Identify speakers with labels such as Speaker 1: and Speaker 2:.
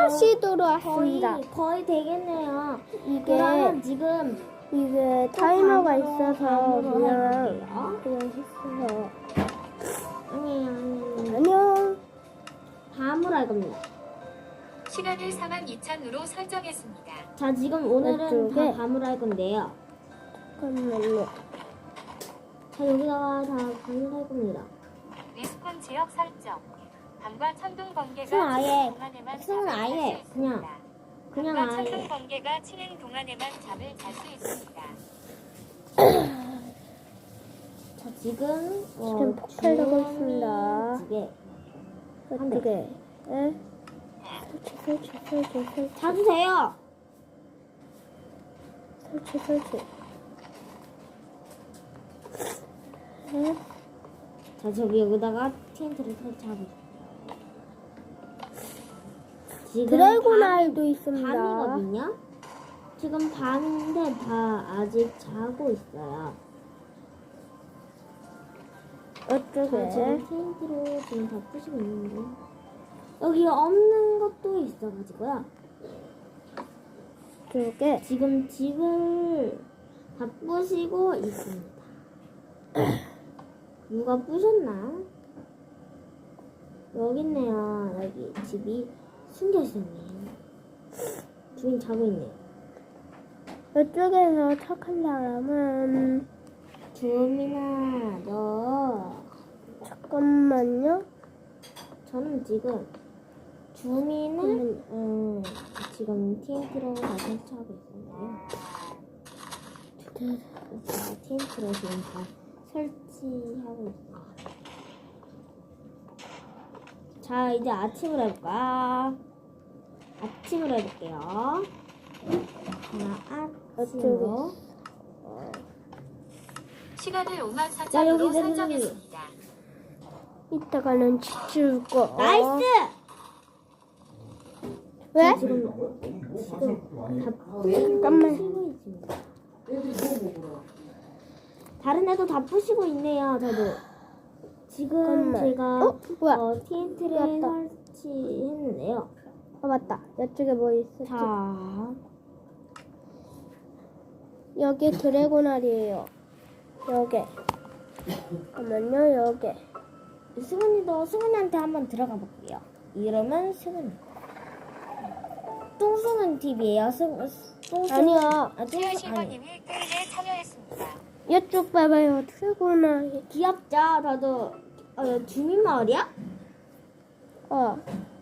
Speaker 1: 다시 돌아왔습니다.
Speaker 2: 거의 되겠네요.
Speaker 1: 이게
Speaker 2: 그러면 지금
Speaker 1: 타이머가
Speaker 2: 반으로
Speaker 1: 있어서
Speaker 2: 반으로
Speaker 1: 그냥
Speaker 2: 해볼게요.
Speaker 1: 했어요.
Speaker 2: 아니.
Speaker 1: 안녕.
Speaker 2: 밤으로 할 겁니다.
Speaker 3: 시간을 42,000으로 설정했습니다.
Speaker 2: 자, 지금 오늘은
Speaker 1: 이쪽에.
Speaker 2: 다 밤으로 할 건데요.
Speaker 1: 잠깐만요.
Speaker 2: 자, 여기다가 다 밤으로 할 겁니다.
Speaker 3: 리스폰 지역 설정. 밤과 천둥 번개가
Speaker 2: 승은 아예,
Speaker 3: 치는 동안에만
Speaker 2: 승은
Speaker 3: 잠을
Speaker 2: 아예
Speaker 3: 잘수 있습니다.
Speaker 2: 그냥
Speaker 3: 밤과
Speaker 2: 아예.
Speaker 3: 천둥 번개가 치는 동안에만 잠을 잘 수 있습니다.
Speaker 2: 자, 지금
Speaker 1: 지금 폭발되고
Speaker 2: 주원이
Speaker 1: 있습니다.
Speaker 2: 두 개.
Speaker 1: 어떻게? 설치.
Speaker 2: 찾으세요.
Speaker 1: 설치.
Speaker 2: 자, 저기 여기다가 텐트를 설치하고. 지금
Speaker 1: 드래곤아이도 있습니다.
Speaker 2: 밤이거든요. 지금 밤인데 다 아직 자고 있어요. 자,
Speaker 1: 어떻게?
Speaker 2: 지금 텐트로 지금 다 부시고 있는데 여기 없는 것도 있어가지고요.
Speaker 1: 이쪽에
Speaker 2: 지금 집을 다 부시고 있습니다. 누가 부셨나? 여기 있네요. 여기 집이 숨겨 있었네요. 주인 자고 있네요.
Speaker 1: 이쪽에서 착한 사람은
Speaker 2: 주민아, 너.
Speaker 1: 잠깐만요.
Speaker 2: 저는 지금 주민은 지금 TNT로 다 설치하고 있었네요. 제가 TNT로 지금 다 설치하고 있어요. 자, 이제 아침을 해볼까? 아침을 해볼게요. 하나, 아침으로.
Speaker 3: 시간을
Speaker 2: 자,
Speaker 3: 54,000으로
Speaker 2: 여기
Speaker 3: 설정했습니다.
Speaker 1: 이따가는 집 지을 거.
Speaker 2: 나이스!
Speaker 1: 왜?
Speaker 2: 지금 다
Speaker 1: 잠깐만.
Speaker 2: 부시고 있습니다. 다른 애도 다 부시고 있네요. 저도 지금
Speaker 1: 잠깐만.
Speaker 2: 제가
Speaker 1: 뭐야?
Speaker 2: TNT를
Speaker 1: 맞다.
Speaker 2: 설치했는데요.
Speaker 1: 맞다. 이쪽에 뭐 있었지?
Speaker 2: 자,
Speaker 1: 여기 드래곤알이에요. 여기. 잠깐만요. 여기.
Speaker 2: 승은이한테 한번 들어가 볼게요. 이름은 승은. 똥승은 TV예요.
Speaker 1: 아니야.
Speaker 2: 똥승 아니.
Speaker 3: 실버님이 게임에 참여했습니다.
Speaker 1: 이쪽 봐봐요. 드래곤알.
Speaker 2: 귀엽죠? 저도 주민 마을이야?
Speaker 1: 어.